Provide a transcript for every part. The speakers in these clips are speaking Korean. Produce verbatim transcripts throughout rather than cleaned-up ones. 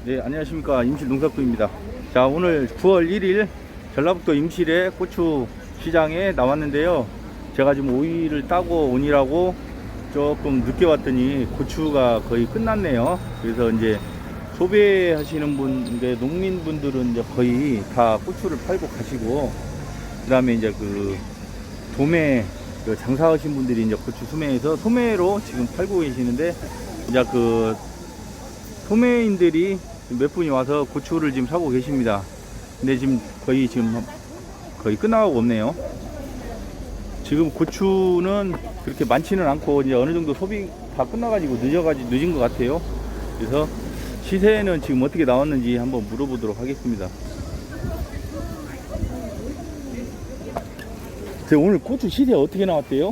네, 안녕하십니까. 임실 농사꾼입니다. 자, 오늘 구월 일일 전라북도 임실의 고추 시장에 나왔는데요. 제가 지금 오이를 따고 오니라고 조금 늦게 왔더니 고추가 거의 끝났네요. 그래서 이제 소비하시는 분, 농민분들은 이제 거의 다 고추를 팔고 가시고, 그 다음에 이제 그 도매, 그 장사하신 분들이 이제 고추 소매에서 소매로 지금 팔고 계시는데, 이제 그 소매인들이 몇 분이 와서 고추를 지금 사고 계십니다. 근데 지금 거의 지금 거의 끝나가고 없네요. 지금 고추는 그렇게 많지는 않고 이제 어느 정도 소비 다 끝나가지고 늦어가지고 늦은 것 같아요. 그래서 시세는 지금 어떻게 나왔는지 한번 물어보도록 하겠습니다. 오늘 고추 시세 어떻게 나왔대요?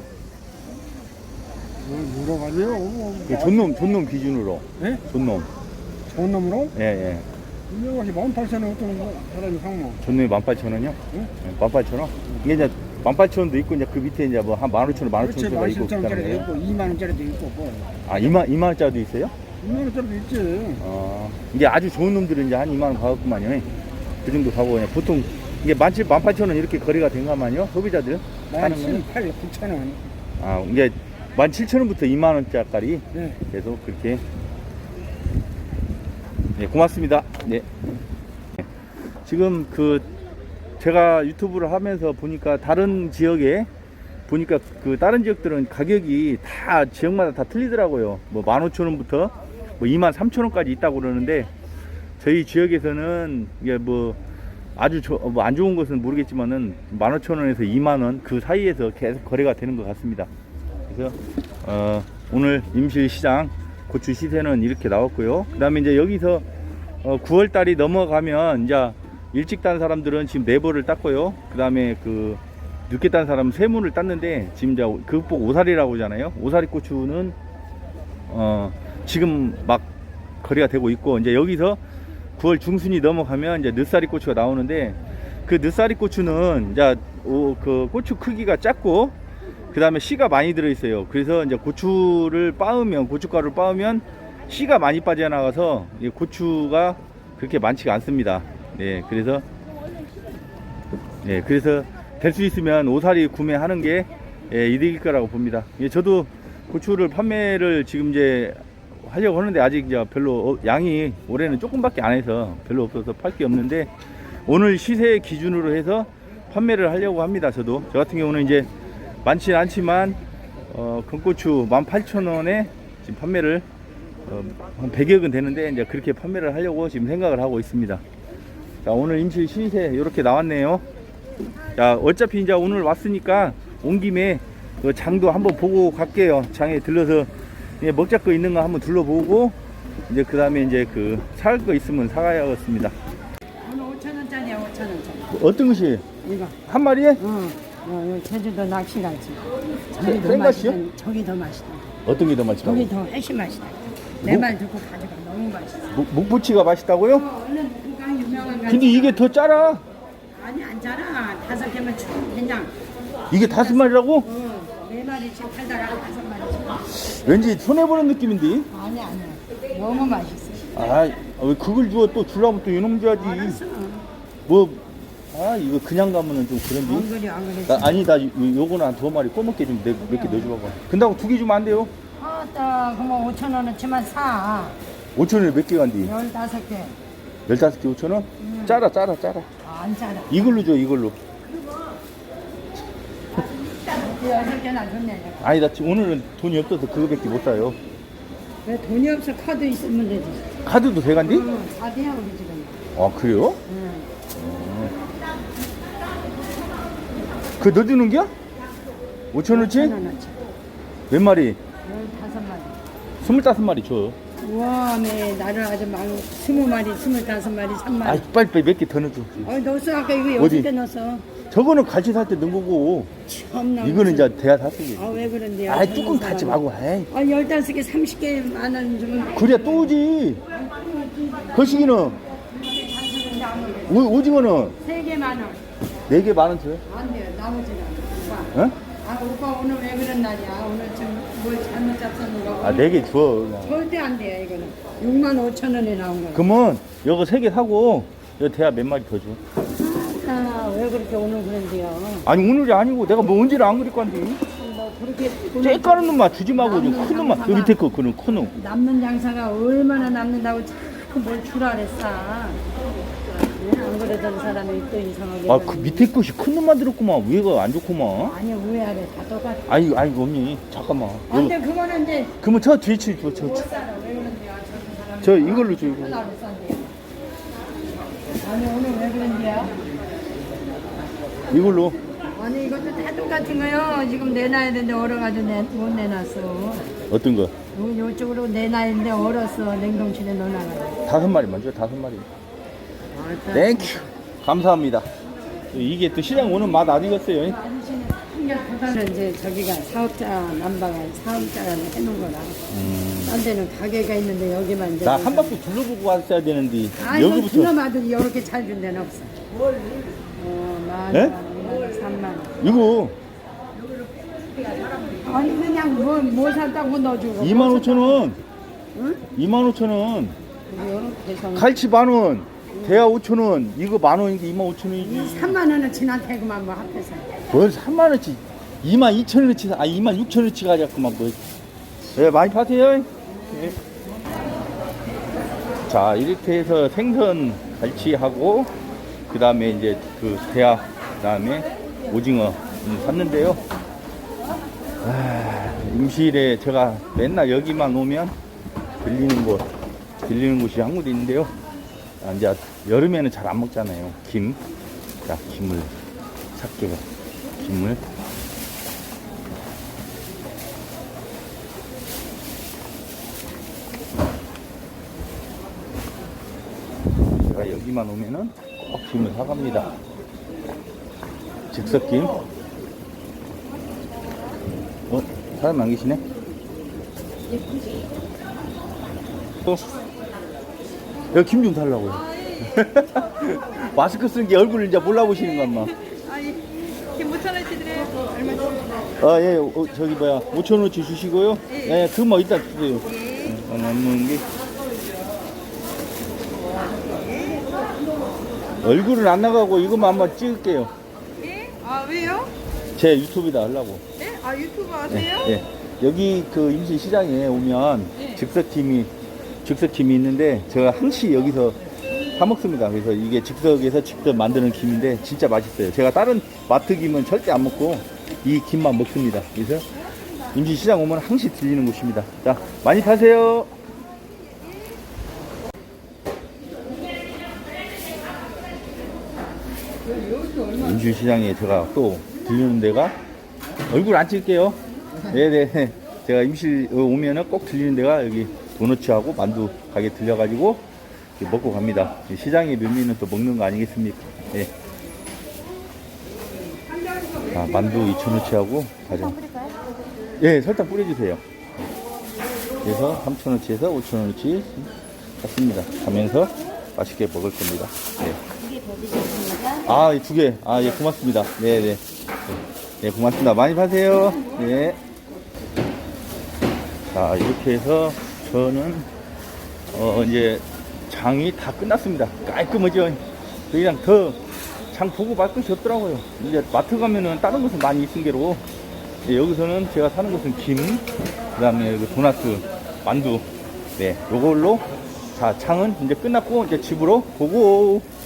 물어가네요. 존놈 존놈 기준으로. 네? 존놈. 좋은 놈으로? 예, 예. 이것이 만 팔천 원 어떤 거 사람이 상모. 존놈이 만 팔천 원이요? 응? 네, 만 팔천 원? 이게 이제 만 팔천 원도 있고, 이제 그 밑에 이제 뭐 한 만 오천 원, 만 오천 원짜리가 있고 만 그다는 있고 거예요? 이만 원짜리도 있고 뭐. 아, 이만, 이만 원짜리도 있어요? 이만 원짜리도 있지. 어, 이게 아주 좋은 놈들은 이제 한 이만 원 가겠구만요. 그 정도 가고, 그냥 보통 이게 만 칠, 만 팔천 원 이렇게 거래가 된가만요? 소비자들? 만 칠팔, 구천 원. 아, 이게 만 칠천 원부터 이만 원짜리 네. 계속 그렇게. 네, 고맙습니다. 네. 지금 그 제가 유튜브를 하면서 보니까 다른 지역에 보니까 그 다른 지역들은 가격이 다 지역마다 다 틀리더라고요. 뭐 만 오천 원부터 뭐 이만 삼천 원까지 있다고 그러는데, 저희 지역에서는 이게 뭐 아주 뭐 안 좋은 것은 모르겠지만은 만 오천 원에서 이만 원 그 사이에서 계속 거래가 되는 것 같습니다. 그래서 어 오늘 임실 시장 고추 시세는 이렇게 나왔고요. 그 다음에 이제 여기서 어 구월 달이 넘어가면 이제 일찍 딴 사람들은 지금 네벌을 땄고요. 그 다음에 그 늦게 딴 사람은 세문을 땄는데, 지금 이제 극복 오사리라고 하잖아요. 오사리 고추는 어 지금 막 거래가 되고 있고, 이제 여기서 구월 중순이 넘어가면 이제 늦사리 고추가 나오는데, 그 늦사리 고추는 이제 오, 그 고추 크기가 작고, 그 다음에 씨가 많이 들어있어요. 그래서 이제 고추를 빻으면, 고춧가루를 빻으면 씨가 많이 빠져나가서 고추가 그렇게 많지가 않습니다. 네, 그래서 네, 그래서 될 수 있으면 오사리 구매하는 게 예, 이득일 거라고 봅니다. 예, 저도 고추를 판매를 지금 이제 하려고 하는데 아직 이제 별로 어, 양이 올해는 조금밖에 안 해서 별로 없어서 팔 게 없는데, 오늘 시세 기준으로 해서 판매를 하려고 합니다. 저도 저 같은 경우는 이제 많지는 않지만 어, 건고추 만 팔천 원에 지금 판매를 어, 한 백여건 되는데, 이제 그렇게 판매를 하려고 지금 생각을 하고 있습니다. 자, 오늘 임실 시세 이렇게 나왔네요. 자, 어차피 이제 오늘 왔으니까 온 김에 그 장도 한번 보고 갈게요. 장에 들러서 먹자 거 있는 거 한번 둘러보고, 이제 그 다음에 이제 그 살 거 있으면 사가야겠습니다. 오늘 오천 원짜리야, 오천 원짜리. 뭐 어떤 것이? 이거. 한 마리에? 응. 어, 여기 제주도 낚시갈치. 저기 더 생각이요? 맛있다. 저기 더 맛있다. 어떤 게 더 맛있다고? 저기 더 훨씬 맛있다. 내 목- 말 듣고 가져가. 너무 맛있어. 목- 목부치가 맛있다고요? 어, 얼른 그가 유명한 거. 근데 이게 더 짜라. 아니 안 자라. 다섯 개면 충 된장. 이게 다섯 마리라고? 어, 네 마리씩 팔다가 다섯 마리씩. 왠지 손해보는 느낌인데? 아니 아니야. 너무 맛있어. 아, 왜 그걸 주워 또 주려면 또 이놈 줘야지. 알았어. 뭐, 아, 이거 그냥 가면은 좀 안 그런데. 그래 안 그래. 나, 아니, 나 요- 요거는 한 두 마리 꼬먹게 좀 몇 개 넣어줘봐. 근다고 두 개 주면 안 돼요? 아따 그럼 오천 원어치만 사. 오천 원에 몇 개 간디? 열다섯 개. 열다섯 개 오천 원? 짜라, 짜라, 짜라. 아, 안 짜라. 이걸로 줘, 이걸로. 여섯 개나 줬네. 아니, 나 지금 오늘은 돈이 없어서 그거밖에 못 사요. 왜 돈이 없어? 카드 있으면 되지. 카드도 돼 간디? 응, 카드야 우리 지금. 아, 그래요? 응. 그 넣어주는 겨? 오천 원치? 천 원어치. 몇 마리? 열다섯 마리. 스물다섯 마리 줘. 우와, 네, 나를 아주 많이 스무 마리, 스물다섯 마리, 삼 마리. 아, 빨리 빨리 몇 개 더 넣어줘. 어, 넣었어 아까 이거 어디? 여섯 개 넣었어. 저거는 갈치 살 때 넣은 거고, 참나. 이거는 이제 대야 샀으니. 아왜 그런데요? 아, 뚜껑 닫지 말고, 에이. 아 열다섯 개, 삼십 개 만 원 주면. 그래야 또 오지. 거시기는, 오, 오징어는 세 개 만 원. 네 개 만 원 줘요. 안 돼요, 나머지는. 오빠. 어? 아 오빠 오늘 왜 그런 날이야? 오늘 좀 뭘 잘못 잡혔는가? 아, 네 개 줘. 그냥. 절대 안 돼요 이거는. 육만 오천 원에 나온 거야. 그러면 이거 세 개 사고 이거 대야 몇 마리 더 줘. 아왜 그렇게 오늘 그런데요? 아니 오늘이 아니고 내가 뭐 언제를 안 그릴 건데. 뭐 그렇게 쬐까는 놈만 주지 말고 큰 놈만. 그 밑에 거 그는 큰 놈. 남는 장사가 얼마나 남는다고 자꾸 뭘 주라 그랬어. 네, 안 그러던 사람이 또 이상하게. 아, 그 밑에 것이 큰 놈만 들었구만. 위에가 안 좋구만. 아니 왜 아래 다 똑같아. 아니, 아니, 언니. 잠깐만. 아, 근데 그거는 이제 그러면 저 뒤에 치 줘. 저, 못 저, 살아. 왜 그런데요? 저런 사람. 저 이걸로 줘. 이거. 하나로 싼대요. 아니 오늘 왜 그런데요? 이걸로. 아니 이것도 다 똑같은 거요. 지금 내놔야 되는데 얼어가지고 내, 못 내놨어. 어떤 거? 요, 요쪽으로 내놔야 되는데 얼었어. 냉동실에 넣어놔가지고. 다섯 마리만 줘. 다섯 마리. 땡큐. 감사합니다. 이게 또 시장 오는 맛 아니겠어요? 아저씨는 이제 저기가 사업자 남바가 사업자가 해놓은 거라. 음. 딴 데는 가게가 있는데 여기만 이제. 나 한 바퀴 둘러보고 왔어야 되는데. 아 이거 여기부터. 들어마도 이렇게 잘 준 데는 없어. 어, 만 네? 원, 삼만 원. 이거 아니 그냥 뭐, 뭐 샀다고 넣어주고. 이만 오천 원. 응? 이만 오천 원. 이렇게 해서 갈치 만 원. 대하 오천 원. 이거 만 원인데 이만 오천 원이지. 삼만 원은 지나대고만 뭐 합해서. 뭘 삼만 원치. 이만 이천 원치. 아, 이만 육천 원치 가자꾸만 뭐. 예, 많이 파세요. 예. 자, 이렇게 해서 생선 갈치하고 그 다음에 이제 그 대하, 그 다음에 오징어 음, 샀는데요. 아, 임실에 제가 맨날 여기만 오면 들리는 곳, 들리는 곳이 한 군데 있는데요. 아, 이제 여름에는 잘 안 먹잖아요. 김. 자, 김을 살게요. 김을. 제가 여기만 오면은 꼭 김을 사갑니다. 즉석김. 어? 사람 안 계시네? 또? 여기 김 좀 달라고요. 마스크 쓴 게 얼굴을 이제 몰라보시는 것 같나? 아니, 김 오천 원치 드려요. 얼마치? 아, 예, 어, 저기 뭐야, 오천 원어치 주시고요. 예. 예, 그뭐 이따 주세요. 예. 어, 남는 게. 얼굴은 안 나가고 이것만 한번 찍을게요. 예? 아, 왜요? 제 유튜브에다 하려고. 네? 아, 유튜브 예, 하세요? 예. 여기 그 임시 시장에 오면 예. 즉석김이, 즉석김이 있는데 제가 항시 여기서 사 먹습니다. 그래서 이게 즉석에서 직접 만드는 김인데 진짜 맛있어요. 제가 다른 마트 김은 절대 안 먹고 이 김만 먹습니다. 그래서 임시 시장 오면 항시 들리는 곳입니다. 자, 많이 파세요. 임시 시장에 제가 또 들리는 데가 얼굴 안 찍을게요. 네네. 제가 임실 오면은 꼭 들리는 데가 여기 도너츠하고 만두 가게 들려가지고 먹고 갑니다. 시장의 묘미는 또 먹는 거 아니겠습니까? 예. 아, 만두 이천 원치하고 가정. 예, 설탕 뿌려주세요. 그래서 삼천 원치에서 오천 원치 샀습니다. 가면서 맛있게 먹을 겁니다. 예. 아, 이 두 개. 아, 예, 고맙습니다. 네네. 네. 네, 고맙습니다. 많이 파세요. 네. 자, 이렇게 해서 저는, 어, 이제 장이 다 끝났습니다. 깔끔하죠? 그냥 더 장 보고 말 것이 없더라고요. 이제 마트 가면은 다른 곳은 많이 있은 게로, 예, 여기서는 제가 사는 곳은 김, 그 다음에 그 도나스, 만두, 네, 요걸로, 자, 장은 이제 끝났고, 이제 집으로 보고,